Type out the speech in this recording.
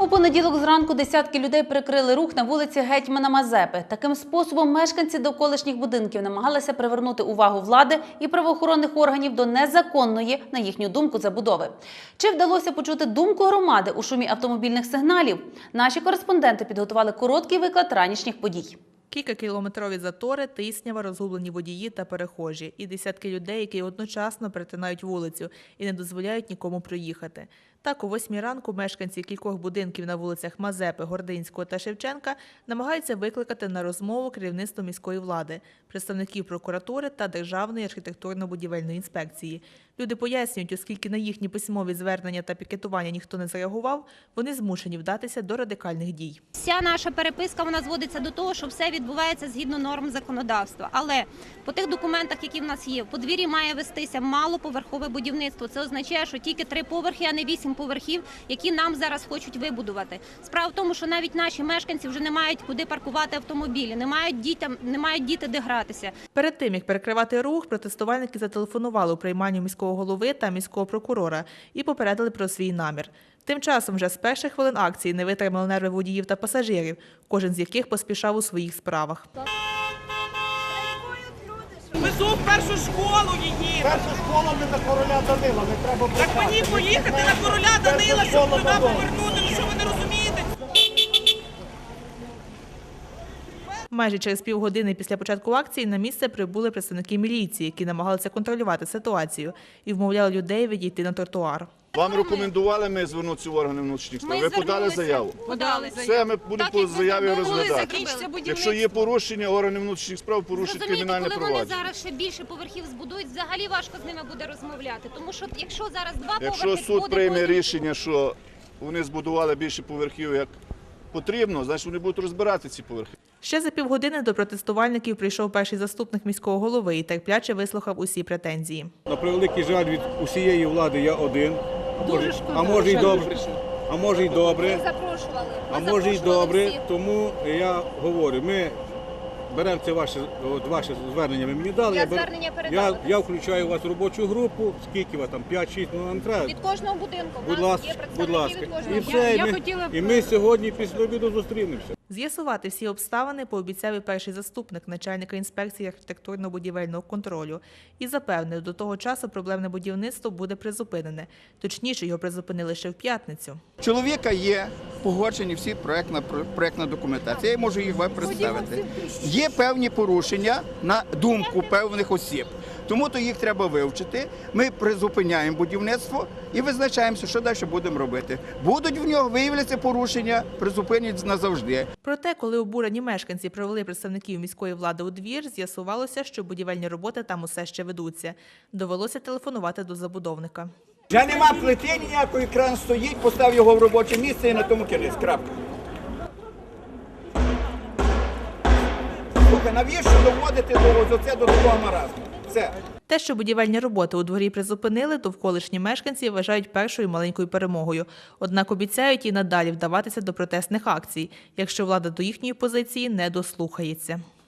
понеділок зранку десятки людей перекрили рух на вулиці Гетьмана Мазепи. Таким способом мешканці довколишніх будинків намагалися привернути увагу влади і правоохоронних органів до незаконної, на їхню думку, забудови. Чи вдалося почути думку громади у шумі автомобільних сигналів? Наші кореспонденти підготували короткий виклад ранішніх подій. Кількакілометрові затори, тиснява, розгублені водії та перехожі. І десятки людей, які одночасно перетинають вулицю і не дозволяють нікому проїхати. Так, о 8 ранку мешканці кількох будинків на вулицях Мазепи, Гординського та Шевченка намагаються викликати на розмову керівництво міської влади, представників прокуратури та Державної архітектурно-будівельної інспекції. Люди пояснюють, оскільки на їхні письмові звернення та пікетування ніхто не зреагував, вони змушені вдатися до радикальних дій. Вся наша переписка, вона зводиться до того, що все відбувається згідно норм законодавства. Але по тих документах, які в нас є, в подвір'ї має вестися малоповерхове будівництво. Це означає, що тільки 3 поверхи, а не 8 поверхів, які нам зараз хочуть вибудувати. Справа в тому, що навіть наші мешканці вже не мають куди паркувати автомобілі, не мають діти де гратися. Перед тим, як перекривати рух, протестувальники зателефонували у приймальню міського голови та міського прокурора і попередили про свій намір. Тим часом вже з перших хвилин акції не витримали нерви водіїв та пасажирів, кожен з яких поспішав у своїх справах. Везу в першу школу її. Перша школа не на Короля Данила, не треба брати. Так мені поїхати на Короля Данила, щоб туди повернути, ну що ви не розумієте? Майже через півгодини після початку акції на місце прибули представники міліції, які намагалися контролювати ситуацію і вмовляли людей відійти на тротуар. Вам рекомендували ми звернутися в органи внутрішніх справ? Ви подали заяву? Подали. Все, ми будемо по заяві розглядати. Якщо Якщо є порушення, органи внутрішніх справ порушать кримінальне коли вони провадження. зараз ще більше поверхів збудують, взагалі важко з ними буде розмовляти. Тому що якщо зараз 2 поверхи Якщо суд прийме рішення, що вони збудували більше поверхів, як потрібно, значить вони будуть розбирати ці поверхи. Ще за півгодини до протестувальників прийшов перший заступник міського голови і терпляче вислухав усі претензії. На превеликий жаль, від усієї влади я один. А може й добре. А може й добре, тому я говорю, ми беремо це ваше звернення, ви мені дали. Я включаю вас в робочу групу, скільки вас там, 5-6, нам треба. від кожного будинку. Будь ласка. І все, і ми сьогодні після обіду зустрінемося. З'ясувати всі обставини пообіцяв і перший заступник начальника інспекції архітектурно-будівельного контролю і запевнив, до того часу проблемне будівництво буде призупинене. Точніше, його призупинили ще в п'ятницю. Чоловіка є погоджені всі проєктна документація, я можу їх вам представити. Є певні порушення на думку певних осіб, тому то їх треба вивчити. Ми призупиняємо будівництво і визначаємося, що далі будемо робити. Будуть в нього виявляться порушення, призупинять назавжди. Проте, коли обурені мешканці провели представників міської влади у двір, з'ясувалося, що будівельні роботи там усе ще ведуться. Довелося телефонувати до забудовника. Вже нема плити ніякої, кран стоїть, постав його в робоче місце і на тому кінець. Крапка. Слухай, навіщо доводити до такого маразму? Все. Те, що будівельні роботи у дворі призупинили, довколишні мешканці вважають першою маленькою перемогою. Однак обіцяють і надалі вдаватися до протестних акцій, якщо влада до їхньої позиції не дослухається.